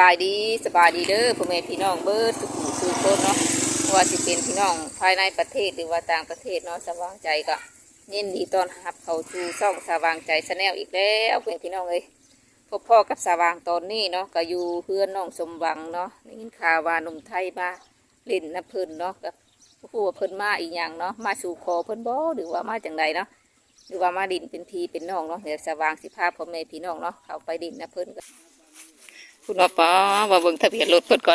ายดีสบายดีเด้อพ่อแม่พี่น้องเบิดทุกผู้ทุกคนเนาะว่าสิเป็นพี่น้องภายในประเทศหรือว่าต่างประเทศเนาะสว่างใจก็ยินดีต้อนรับเข้าสู่ช่องสว่างใจชาแนลอีกแล้วเพื่อนพี่น้องเลยพบพ่อกับสว่างตอนนี้เนาะก็อยู่เพื่อนน้องสมหวังเนาะได้ยินข่าวว่าหนุ่มไทยมาเล่นน้ำเพิ่นเนาะกับผู้ว่าเพิ่นมาอีกอย่างเนาะมาสู่คอเพิ่นบ่หรือว่ามาจังใดเนาะหรือว่ามาดินเป็นพี่เป็นน้องเนาะเดี๋ยวสว่างสิพาพ่อแม่พี่น้องเนาะเข้าไปดินน้ำเพิ่นกันคุณว่าป้าว่าเบิ่งทะเบียนรถเพิ่นก่อน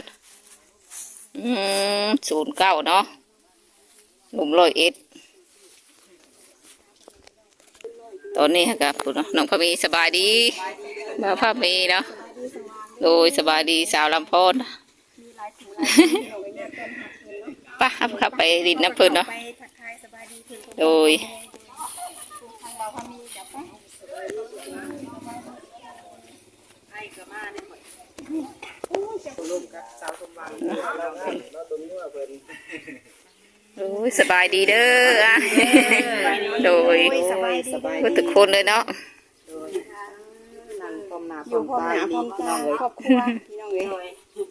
09เนาะหนุ่ม101ตอนนี้ครับคุณน้องพะมีสบายดีมาพะมีเนาะโดยสบายดีสาวลำพอนป่ะครับไปดินน้ำเพิ่นเนาะโดยโอ้ยสบายดีเด้ออ่ะโดยทุกคนเลยเนาะอยู่พร้อมหน้าพร้อมตาครอบครัวพี่น้องเลย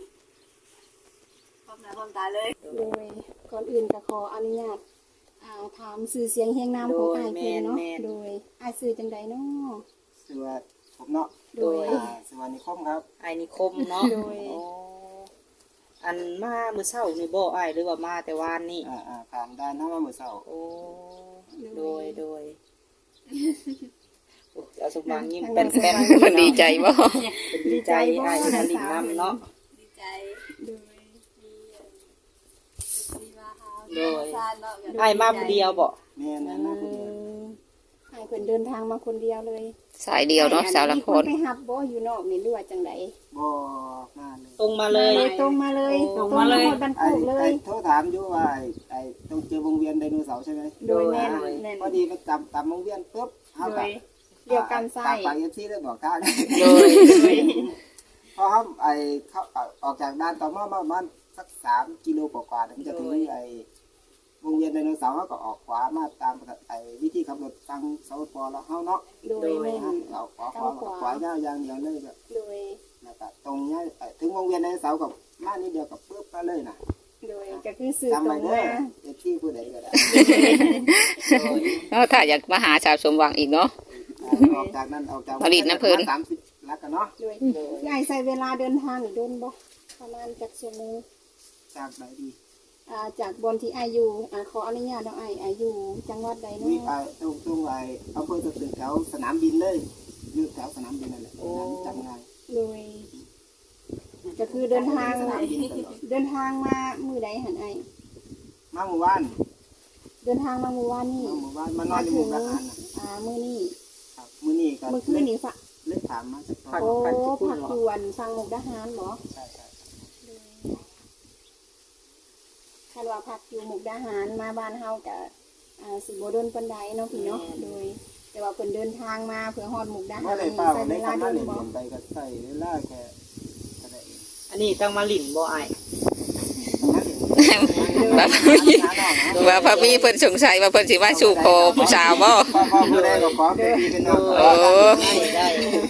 พร้อมหน้าพร้อมตาเลยโดยก่อนอื่นก็ขออนุญาตถามสื่อเสียงเฮียงน้ำของอ้ายเพิ่นเนาะโดยอ้ายสื่อจังใดเนาะสื่อว่าผมเนาะโดยสื่อว่านิคมครับไอ้นิคมเนาะโดยอันมาเมื่อเช้านี่บ่อ้ายหรือว่ามาแต่วานนี่ผ่านด้านน้ำมาเมื่อเช้าโอ้โดยเอาสมบังยิ้มเป็นแป้นมันดีใจบ่ดีใจอ้ายมาลิ้นน้ำเนาะดีใจโดยอ้ายมาผู้เดียวบ่แม่นมาคนเดียวอ้ายเพิ่นเดินทางมาคนเดียวเลยสายเดียวเนาะสาวลำพอนไปหับบ่อยู่นอกนี่หรือว่าจังไดบ่มาเลยตรงมาเลยตรงมาเลยตรงมาเลยบันทึกเลยโทรถามอยู่ว่าต้องเจอวงเวียนไดโนเสาร์ใช่ไหมโดยแม่นพอดีไปตามวงเวียนปุ๊บเขาแบบเรียกกันไส้ไปที่ได้บอกข้างโดยพอเขาเขาออกจากด้านต่อมาประมาณสัก3 กิโลกว่าถึงจะถึงวงเวียนไดโนเสาร์เขาก็ออกขวามาตามวิธีขับรถทางสปปแล้วเขาเนาะโดยเราขวายาวอย่างเดียวเลยแบบโดยแล้วก็ตรงนี้ถึงวงเวียนไดโนเสาร์กับมานี่เดียวกับปุ๊บก็เลยนะโดยก็คือสื่อตรงมาที่ผู้ใดก็ได้ถ้าอยากมาหาชาวสมหวังอีกเนาะออกจากนั้นออกจากผลิตน้ำเพลิน 30แล้วกันเนาะโดยยายใช้เวลาเดินทางโดนบ่ประมาณจักชั่วโมงจากไหนดีจากบนที่อายุขออนุญาตน้องอายุจังหวัดใดเนาะตรงอำเภอตึกแถวสนามบินเลยอยู่แถวสนามบินนั่นแหละจำง่ายโดยก็คือเดินทางมามื้อใดหั่นอ้ายมาหมู่บ้านเดินทางมาหมู่บ้านนี่มานอนอยู่หมู่บ้านมื้อนี้ครับมื้อนี้ก็มื้อคืนนี้เลิกถามมาจากโอ้ผักยวนฟังมุกดาหารเหรอใช่คันว่าพักอยู่มุกดาหารมาบ้านเฮาก็สิบ่โดนปานใดเนาะพี่เนาะโดยแต่ว่าเพิ่นเดินทางมาเพื่อฮอดมุกดาหารใช้เวลาโดนบ่ไปก็ใช้เวลาแค่อันนี้ต้องมาลิ้นบ่อ้ายว่าพะมีเพิ่นสงสัยว่าเพิ่นสิว่าสู่คอผู้สาวบ่ผู้ใดก็ขอเป็นพี่เป็นน้องได้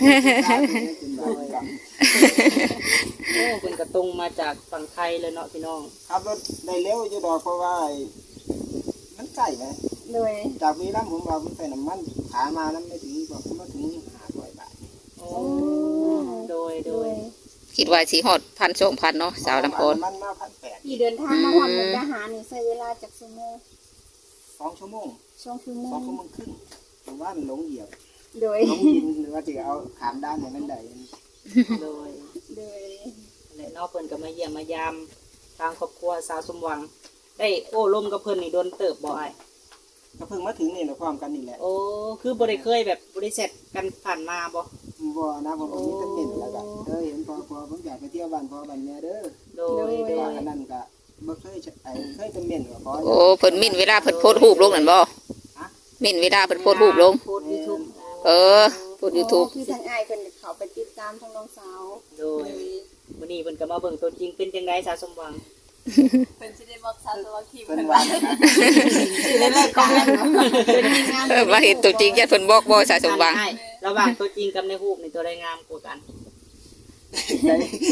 โอ้เพิ่นก็ตรงมาจากฝั่งไทยเลยเนาะพี่น้องขับรถได้เร็วอยู่ดอกเพราะว่ามันใกล้ไหมเลยจากมีน้ำผมว่าผมใส่น้ำมันขามาน้ำไม่ถึงบอกมาถึง500 บาทโอ้โดยคิดว่าสิฮอด1,000-2,000เนาะสาวลำพอนมันมา1,800 ที่เดินทางมาฮอดมุกดาหารนี่ใช้เวลาจักชั่วโมง 2 ชั่วโมง 2 ชั่วโมง 2 ชั่วโมงครึ่งผมว่ามันหลงเหยียบโดยหลงยินหรือว่าจะเอาขามด้านอย่างนั้นได้โดยและนอกเพิ่นก็มาเยี่ยมมายามทางครอบครัวสาวสมหวังได้โอ้ลมกับเพิ่นนี่โดนเติบบ่อ้ายก็เพิ่งมาถึงนี่นะพร้อมกันนี่แหละโอ้คือบ่ได้เคยแบบบ่ได้เสร็จกันผ่านมาบ่นะผมมีแต่เป็นแล้วก็เห็นพอผมอยากไปเที่ยวบ้านพ่อบ้านแม่เด้อโดยอันนั้นก็บ่เคยจะเม่นกับพ่อโอ้เพิ่นมิ่นเวลาเพิ่นโพสต์รูปลงนั่นบ่มิ่นเวลาเพิ่นโพสต์รูปลงโพสต์ YouTube โพสต์ YouTube คือทางอ้ายเพิ่นเขาไปติดตามทางน้องสาวโดยวันนี้เพิ่นก็มาเบิ่งตัวจริงเป็นจังได๋สาวสมหวังเพิ่นสิได้บอกสาวสมหวังที่เพิ่นว่าสิได้เลิกกันว่าเห็นตัวจริงญาติเพิ่นบอกบ่สาวสมหวังระหว่างตัวจริงกับในรูปนี่ตัวใดงามกว่ากันใจ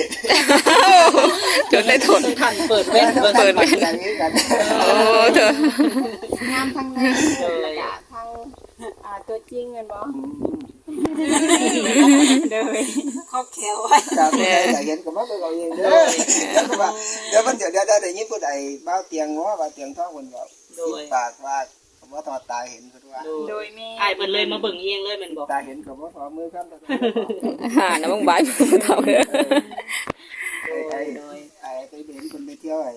จนได้ทนท่านเปิดแว่นเปิดเปิดแว่นอย่างนี้กันโอ้เธองามทั้งในแล้วก็ทั้งตัวจริงแม่นบ่โดยครอบแขวไว้ครับแต่เห็นก็มาเบิ่งเอาเองเด้อแล้วก็ว่าเดี๋ยวมันเดี๋ยวได้ยินผู้ใดบ้าเตียงง้อบ้าเตียงท้องคนบอกปากว่าคำว่าทอดตาเห็นเพิ่นว่าโดยแม่อ้ายเพิ่นเลยมาเบิ่งเองเลยแม่นบ่ตาเห็นกับว่าทอมือครับน้ำมึงบายผู้เฒ่าเด้อไอ้ไปเห็นคนไปเที่ยวไอ้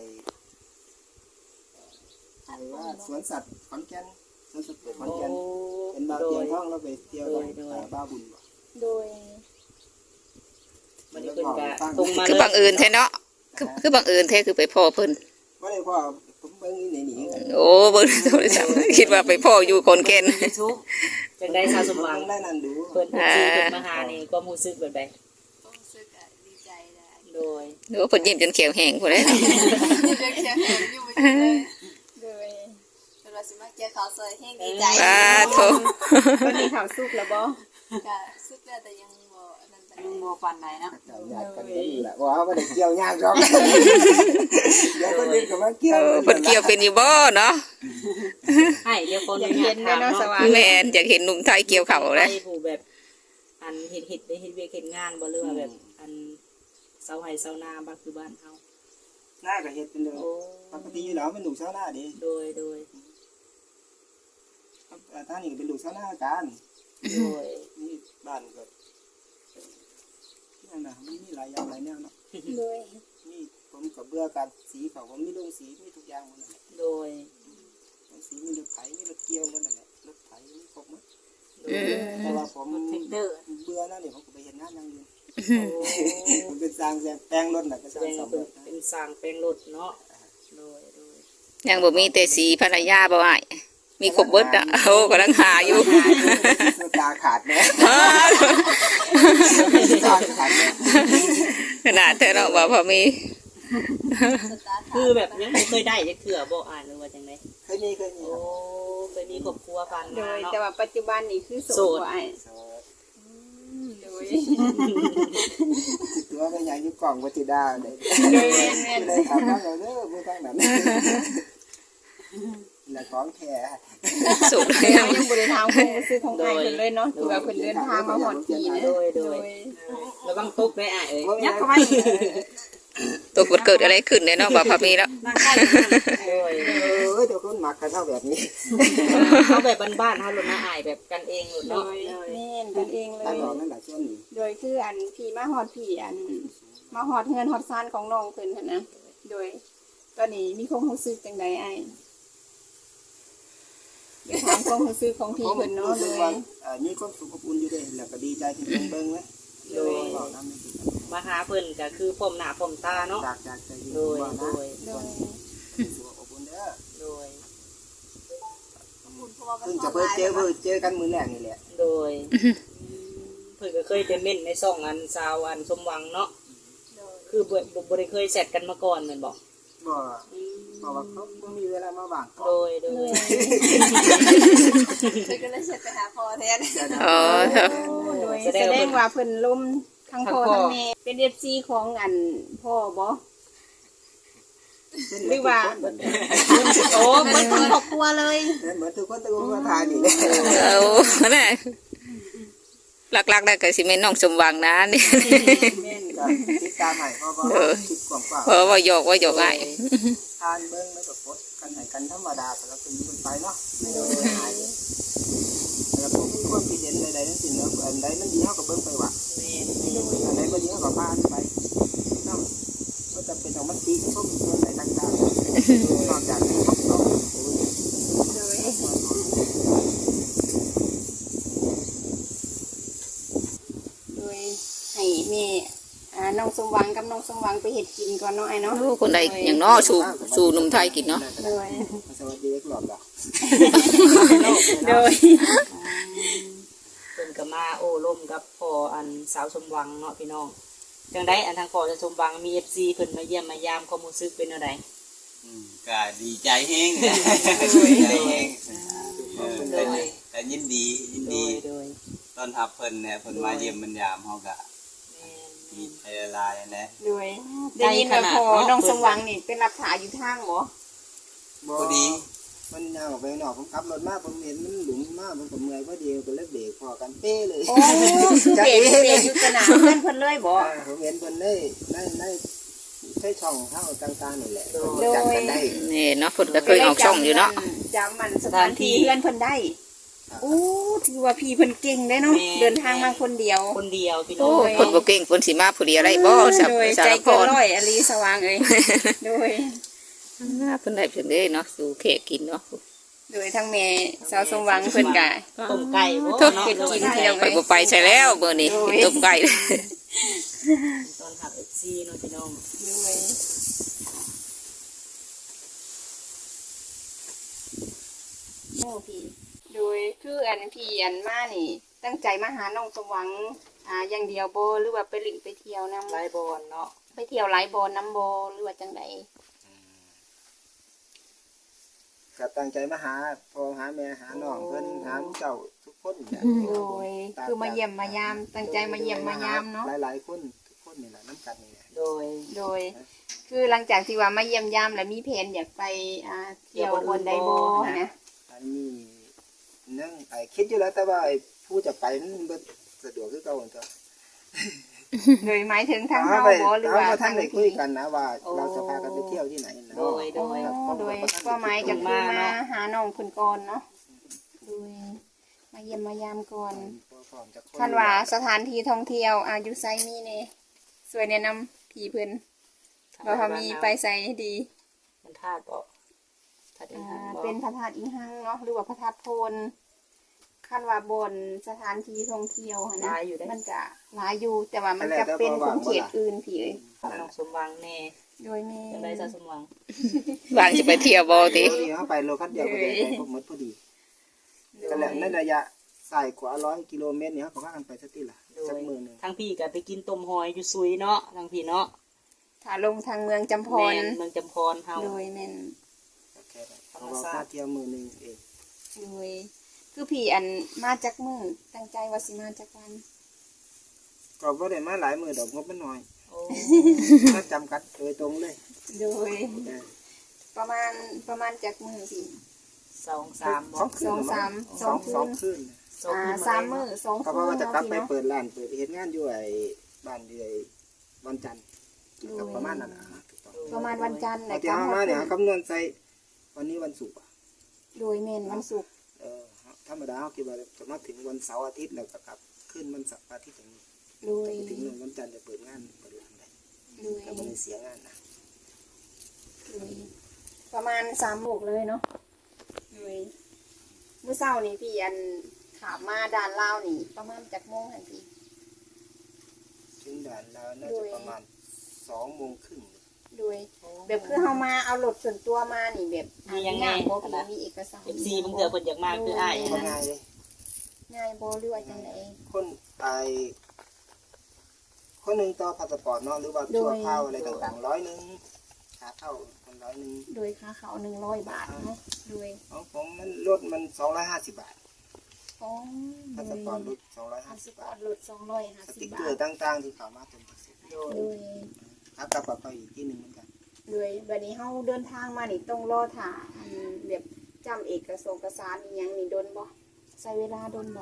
ว่าสวนสัตว์ขอนแก่นสวนสัตว์ขอนแก่นเป็นบ้าเตียงท้องแล้วไปเที่ยวกับบ้าบุญบ่โดยมันเพิ่นก็ตรงมาคือบังเอิญแท้เนาะคือบังเอิญแท้คือไปพ่อเพิ่นบ่ได้ว่าผมเบิ่งนี่หนีกันโอ้เบิ่งโทรศัพท์คิดว่าไปพ่ออยู่คนเกณฑ์ทุกจังได้สาวสมหวังได้นั่นดูเพิ่นซื้อเพิ่นมาหานี่ก็รู้สึกแบบใดรู้สึกดีใจได้โดยหรือว่าเพิ่นยิ้มจนเขียวแห้งพุ่นเลยเด็กแข็งอยู่ไปเลยโดยเป็นว่าสิมาเกี่ยวเขาซอยแห้งดีใจสาธุวันนี้ข่าวสุกแล้วบ่ก็สุดแล้วแต่ยังบ่อันนั้นไปยังบ่ฟันใดเนาะเจ้าญาติกันนี่แหละว่าบ่ได้เกี่ยวยากหรอกเดี๋ยวคนอื่นก็มาเกี่ยวเพิ่นเกี่ยวเป็นอยู่บ่เนาะให้เดี๋ยวคนอยากเห็นแม่เนาะสว่างแม่นอยากเห็นหนุ่มไทยเกี่ยวเข่าเลยให้ผู้แบบอันเฮ็ดได้เฮ็ดเวียกเฮ็ดงานบ่เรือว่าแบบอันเสาไห้เสานาบ้านคือบ้านเฮาหน้าก็เฮ็ดเป็นเด้อโอ้ปกติอยู่แล้วมันลูกชาวนาดิโดยท่านนี่ก็เป็นลูกชาวนากันโดยนี่บ้านก็นั่นน่ะมีหลายอย่างหลายแนวเนาะโดยมีผมก็เบื่อการสีเขาผมมีโรงสีมีทุกอย่างหมดนั่นแหละโดยโรงสีมีรถไถมีรถเกี่ยวหมดนั่นแหละรถไถมีครบหมดอืมแต่ว่าผมเทคเดอร์เบื่อแล้วนี่ผมก็ไปเห็นงานอย่างอื่นโอ้ผมเป็นสร้างแปลงรถน่ะก็สร้างเป็นสำเป็เร็นจนะเป็นสร้างแปลงรถเนาะโดยยังบ่มีแต่สีภรรยาบ่อ้ายมีครบเบิดอ่ะโอ้กำลังหาอยู่ตาขาดแน่ตาขาดแน่ขนาดเธอเนาะว่าพอมีสตาร์ทคือแบบยังไม่เคยได้จักเทื่อบ่อ่านหรือว่าจังได๋เคยมีโอ้เคยมีครอบครัวกันโดมาย เนาะแต่ว่าปัจจุบันนี่คือโสดบ่อ้ายโสดโดยตัวก็ใหญ่อยู่กล่องวัติดาเลยโดยแม่นเลยถามว่าเราเด้อมือทางนั้นและของแท้สุดแต่เรายังบ่ได้ถามความรู้สึกของอ้ายเพิ่นเลยเนาะคือว่าเพิ่นเดินทางมาฮอดที่นะโดยโดยระวังตกได้อ่ะเอ้ยยัยักกษ์เข้าเข้าไปไปตัวเกิดอะไรขึ้นเนี่ยเนาะว่าพอมีแล้วนั่งใกล้กันโดยเดี๋ยวคนหมักกันเท่าแบบนี้เขาแบบบ้านๆเฮาลดนะอายแบบกันเองลดโดเนาะยแม่นกันเองเลตามยหลอกนั่นแหละช่วงนี้โดยคืออันพี่มาฮอดพี่อันมาฮอดเฮือนฮอดซานของน้องเพิ่นหั่นนะโดยตอนนี้มีความรู้สึกจังได๋อ้ายเดี๋ยวถามความรู้สึกของพี่เพิ่นเนาะโดยมีความสุขอบอุ่นอยู่ด้วยแล้วก็ดีใจที่เพิ่นเบิ่งไว้โดยบอกทำให้ดีมาหาเพิ่นก็คือพร้อมหน้าพร้อมตาเนาะจากใจโดยว่าโดนะยโดยสุขอบอุ่นเด้อโดยคุณเพราะว่ามันเพิ่งจะเพิ่งเจอกันมื้อแรกนี่แหละโดยเพิ่นก็เคยจะเม่นในซ่องอันสาวอันสมหวังเนาะโดยคือบ่ได้เคยแซดกันมาก่อนแม่นบ่บ่เพราะว่าเขาบ่มีเวลามาว่างโดยเธอก็เลยเช็ดไปหาพ่อแทนอ๋อครับโดยแสดงว่าเพิ่นล้มทั้งพ่อทั้งแม่เป็น FC ของอันพ่อบ่หรือว่าโอ้มันทั้งครอบครัวเลยเหมือนทุกคนตะโกนมาทานนี่แหละเอาแน่หลักๆได้ก็สิแม่นน้องสมหวังนะนี่แม่นก็ติดตามให้เพราะว่าคิดกว้างเพราะว่าหยอกอ้ายทานเบิ่งแล้วก็กดกันให้กันธรรมดาแต่ละคนอยู่กันไปเนาะแล้วผมมีความคิดเห็นใดๆทั้งสิ้นเนาะอันใดมันดีเฮาก็เบิ่งไปว่าแม่นอันใดบ่ดีเฮาก็ผ่านไปเนาะก็จำเป็นต้องมาตีกับพวกส่วนใดต่างๆนอกจากให้เขาโดยโดยให้แม่น้องสมหวังกับน้องสมหวังไปเฮ็ดกินก่อนเนาะไอ้เนาะโอ้คนใดอย่างน้อสู่หนุ่มไทยกินเนาะโดยสวัสดีครับหลอดโดยเพิ่นก็มาโอ้ร่มกับพ่ออันสาวสมหวังเนาะพี่น้องจังได๋อันทางพ่อจะสมหวังมี FC เพิ่นมาเยี่ยมมายามความรู้สึกเป็นจังได๋ก็ดีใจแห้งดีใจแห้งแต่ยินดีโดยตอนทับเพิ่นเนี่ยเพิ่นมาเยี่ยมบรรยามเฮาก็แม่นดมีไทยลายนะโดยได้ยินว่าพอน้องสมหวังนี่เป็นรับถ่ายอยู่ทางบ่บ่พอดีมันยาวออกไปข้างนอกผมขับรถมาผมเห็นมันหลุมมากผมก็เมื่อยพอดีก็เลยเบรกพอกันเป้เลยโอ้คือเบรกอยู่สนามเพื่อนเพิ่นเลยบ่ผมเห็นเพิ่นได้ใช้ช่องเข้าต่างๆนี่แหละโดยเพิ่นจับกันได้นี่เนาะเพิ่นก็เคยออกช่องอยู่เนาะจำมันสถานที่เพื่อนเพิ่นได้โอ้ถือว่าพี่เพิ่นเก่งได้เนาะเดินทางมาคนเดียวคนเดียวพี่น้โอ้องเพิ่นบ่เก่งเพิ่นสิมาผู้เดียวได้บ่สับโดยสาใจรพเกินรร้อยอลีสว่างเอ้ยโดยเพิ่นได้เพิ่นเด้เนาะสู่แขกกินเนาะโดยทั้งแม่สาวสมหวังเพิ่นกะต้มไก่บ่ทุกเนาะกินเที่ยวไปบ่ไปใช่แล้วเบอร์นี้ต้มไก่ตอนหักซีเนาะพี่น้องโดยโอ้พี่โดยคืออันพี่อันมานี่ ตั้งใจมาหาน้องสมหวังอย่างเดียวบ่หรือว่าไปหลิงไปเที่ยวนํไล่บอลเนาะไปเที่ยวหลายบ่น้ำบ่หรือว่าจังไดก็ตั้งใจมาหาพ่อหาแม่หาน้องเพิ่นหาเจ้าทุกคนเนี่ยโดยคือมาเยี่ยมมายามตั้งใจมาเยี่ยมมายามเนาะหลายๆคนทุกคนนี่แหละน้ำกันนี่แหละโดยโดย คือหลังจากที่ว่ามาเยี่ยมยามแล้วมีแผนอยากไปเที่ยวบนไดโบนะอันนี้นั่งคิดอยู่แล้วแต่ว่าไอ้ผู้จะไปมันบ่สะดวกคือเก่าเหมือนกันโดยหมายถึงทางเฮาเฮาไปบ่หรือเฮาว่าบ่ทัทาน งได้คุพี่ยกันนะว่าเราจะพากันไปเที่ยวที่ไหนนะโดยโอ้โดยก็หมายก็คือมาหาน้องเพิ่นก่อนเนาะโดยมาเยี่ยมมายามก่อนท่านว่าสถานที่ท่องเที่ยวอยู่ไสมีแน่สวยแนะนำพี่เพิ่นว่าเขามีไปไสดีมันธาตุบ่ธาตุอินทร์บ่เป็นพระธาตุอิงหังเนาะหรือว่าพระธาตุโพนคันว่าบนสถานที่ท่องเที่ยวหั่นนะมันจะหลายอยู่แต่ว่ามันจะเป็นของเขตอื่นพี่เอ้ยน้องสมหวังแน่โดยแม่จังได๋ซะสมหวังวางสิไปเที่ยวบ่ติพอดีเฮาไปโลคัสเดียวก็ได้ไปหมดพอดีก็แหละในระยะสายกว่า100กิโลเมตรเนี่ยเขาก็พากันไปสักทีละสักมื้อหนึงทั้งพี่ก็ไปกินต้มหอยอยู่ซุยเนาะทั้งพี่เนาะถ้าลงทางเมืองจำพแม่รนเมืองจำพรเฮาโดยแม่นโอเคเขาก็มาเที่ยวมื้อหนึงเองโดยคือพี่อันมาจากมือตั้งใจว่าสิมาจากวันก็บ่ได้มาหลายมื้อดอกงบมันน้อยโอ้ถ้าจำกัดโดยตรงเลยโดยเออประมาณจากมือพี่ 2-3บ่คืนสองคืน 2 คืน 3 มื้อ2 เขาคืนว่าจะกลับไปเนาะเปิดร้านเปิดเฮ็ดงานอยู่ไอ้บ้านอยู่ไอ้วันจันทร์ก็ประมาณนั้นนะถูกต้องประมาณวันจันทร์เอานะที่เอามาเนี่ยคำนวณใส่วันนี้วันศุกร์อะโดยแม่นวันศุกร์ธรรมดาเขาคิดว่าจะมาถึงวันเสาร์อาทิตย์แล้วก็กลับขึ้นวันเสาร์อาทิตย์อย่างนี้โดยถึงวันจันทร์จะเปิดงานเปิดร้านได้โดยก็ไม่ได้เสียงานนะประมาณ3 โมงเลยเนาะโดยเมื่อเช้านี้พี่อันถามมาด่านลาวนี่ ประมาณจากโมงหันพี่ถึงด่านแล้วน่าจะประมาณ2:30 โดยแบบคือเฮามาเอารถส่วนตัวมานี่แบบมียังไงบ่พี่มีเอกสาร FC บางเทื่อเพิ่นอยากมาคืออ้ายก็นะง่ายเลยง่ายบ่หรือว่าจังไดคนไอคนหนึ่งต่อพาสปอร์ตเนาะหรือว่าชั่วคราวอะไรต่างๆ100ค่าเข้าคน100 โดยค่าเขา100 บาทเนาะโดยของผมมันลดมัน250 บาทอ๋อพาสปอร์ตลดพาส 250 ปอบาร์ทตลดส 250 ติ๊กบาเกอทร์ต่างๆที่เขามาเป็นเสร็จโดยโดยครับกลับไปอีกที่หนึ่งเหมือนกันโดยบัดนี้เฮาเดินทางมานี่ต้องรอถ่าแบบจำเอกสารอีหยังนี่โดนบ่ใช้เวลาโดนบ่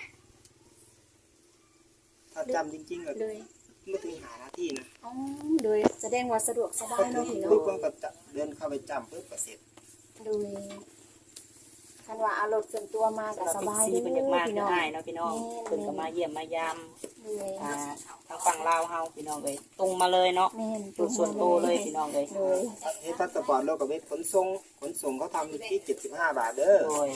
ถ้าจำจริงๆก็โดยไม่ถึงหานาทีนะอ๋อโดยแสดงว่าสะดวกสบายเนาะพี่ปุ๊บเนาะผมก็จะเดินเข้าไปจำปุ๊บก็เสร็จโดยคันว่าเอารถส่วนตัวมาก็สำหรับสบาย FC เด้เพิ่นอยากมาอพี่คือน้องอ้ายเนาะพี่น้องเพิ่นก็มาเยี่ยมมายามโดยทางฝั่งลาวเฮาพี่น้องเอ้ยตรงมาเลยเนาะแม่นจุดส่วนตัวเลยพี่น้องเอ้ยโดยเฮ็ดพาสปอร์ตเรากับเวทขนส่งเขาทำอยู่ที่75 บาทเด้อโดย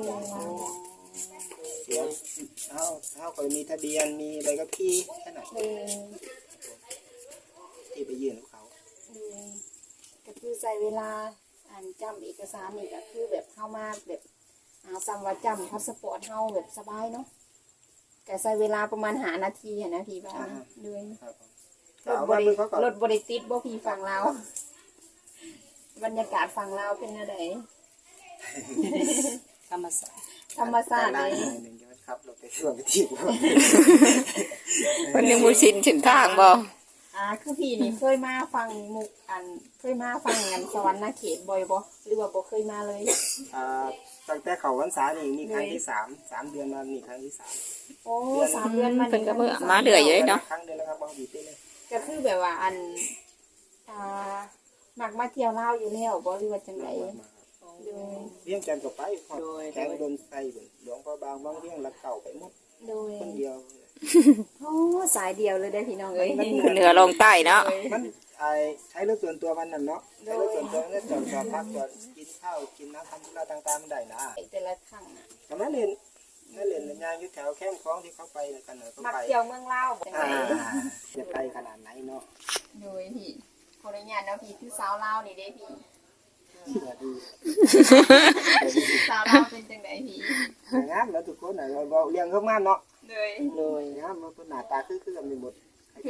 เสียเขาก็มีทะเบียนมีใบขับขี่แค่นั้นโดยที่ไปยื่นของเขาก็คือใช้เวลาจำเอกสารนี่ก็คือแบบเข้ามาแบบซ้ำว่าจำพาสปอร์ตเฮาแบบสบายเนาะแต่ใช้เวลาประมาณ5 นาทีนะพี่บ้านด้วยครับผมรถเอาบมาริเบิ่งเขาก่อนรถบริติดบ่พี่ฝั่งลาวบรรยากาศฝั่งลาวเป็นอะไรธรรมศาสตร์ธรรมชาติได้เลยหนึ่งจะคครับเราไปส่วนไปที่เพิ่นยังบ่ชินเส้นทางบ่คือพี่นี่เคยมาฟังมุกเคยมาฟังงานสวรรค์นาเขตบ่อยบ่หรือว่าบ่เคยมาเลยตั้งแต่เขาพรรษานี่มีครั้งที่3 เดือนมานี่ครั้งที่3 โอ้3 เดือนมาเพิ่นก็มื้อมาเรื่อยอยู่เลยเนาะครั้งเดียวแล้วครับบางทีเลยก็คือแบบว่ามักมาเที่ยวลาวอยู่แล้วบ่หรือว่าจังได๋โดยเลี้ยงจันก็ไปแข่งดนไส้หลวงพ่อบางเลี้ยงละเก่าไปหมดโดยคนเดียวโอ้สายเดียวเลยได้อพี่น้องเอ้ยขึ้นเหนือลงใต้เนาะมันใช้รถส่วนตัวมันนั่นเนาะใช้รถส่วนตัวนั่นจอดพักจอดกินข้าวกินน้ำทำธุระต่างๆมันได้นะแต่ละครั้งน่ะแต่นั่นเล่นยางอยู่แถวแคมป์คลองที่เขาไปกันเขามักไปเที่ยวเมืองลาวบ่จังได๋จะไปขนาดไหนเนาะโดยพี่ขออนุญาตเนาะพี่คือสาวลาวนี่เด้พี่ สาวลาวเป็นจังไดพี่งามแล้วทุกคนเราเลี้ยงเขางามเนาะโดยเลยงามมันหน้าตาคือกันมีหมด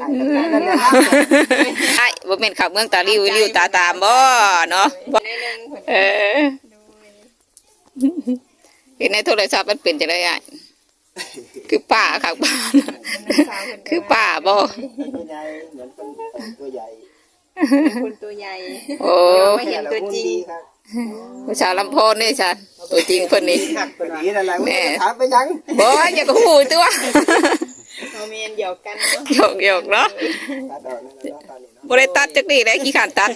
ไอ้บ่แม่นขับเมืองตาริวตาตามบ่เนาะได้นึงเพิ่นเออโดยเห็นในโทรศัพท์มันเป็นจังได๋อ่ะคือป้าข้างบ้านสาวเพิ่นคือป้าบ่ตัวใหญ่เหมือนเป็นตัวใหญ่คนตัวใหญ่โอ้ไม่เห็นตัวจริงครับผู้ชาวลำโพงนี่ฉันตัวจริงเพิ่นนี่หักไปดีอะไรไม่ถามไปยังบ่อย่าก็ฮู้ตัวเขาเมนเดียวกันเนาะหยอกๆเนาะตัดออกนั่นแหละตอนนี้เนาะบ่ได้ตัดจักนี่แหละขี้ขานตัด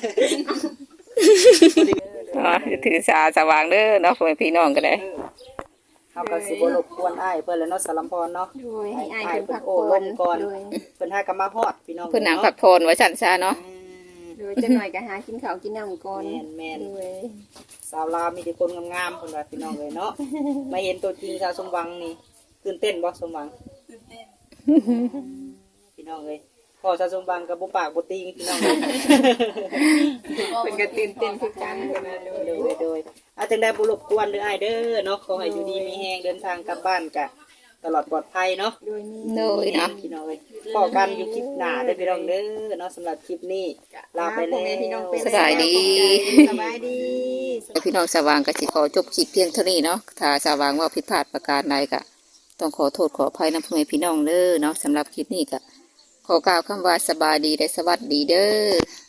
อ๋อถือสาสว่างเด้อเนาะพ่อแม่พี่น้องก็ได้เฮาก็สิบ่รบกวนอ้ายเพิ่นแล้วเนาะสลัมพรเนาะโดยให้อายเพิ่นพักโอ้ผ่ลอนมก่อนโดยเพิ่นหาก็มาฮอดพี่น้องเพิ่นหนังผักโพนว่าฉันซะเนาะโดยจังหน่อยก็หากินข้าวกินน้ำก่อนแม่นโดยสาวลาวมีแต่คนงามๆเพิ่นว่าพี่น้องเลยเนาะมาเห็นตัวจริงสาวสมหวังนี่ตื่นเต้นบ่สมหวังตื่นเต้นพี่น้องเลยพอสาวสมหวังกับบ่ปากบ่ติงพี่น้องเลยเป็นก็ตื่นเต้นคือกันเพิ่นน่ะโดยโดยอาจังได้บ่รบกวนเด้ออ้ายเด้อเนาะขอให้อยู่ดีมีแฮงเดินทางกลับบ้านกะตลอดปลอดภัยเนาะโดยมีโดยเนาะพี่น้องเลยพอกันอยู่คลิปหน้าเด้อพี่น้องเด้อเนาะสำหรับคลิปนี้ลาไปแล้วพี่น้องเป็นสบายดีสบายดีพี่น้องสว่างก็สิขอจบคลิปเพียงเท่านี้เนาะถ้าสว่างว่าผิดพลาดประการใดก็ต้องขอโทษขออภัยนำพ่อแม่พี่น้องเด้อเนาะสำหรับคลิปนี้ก็ขอกล่าวคำว่าสบายดีและสวัสดีเด้อ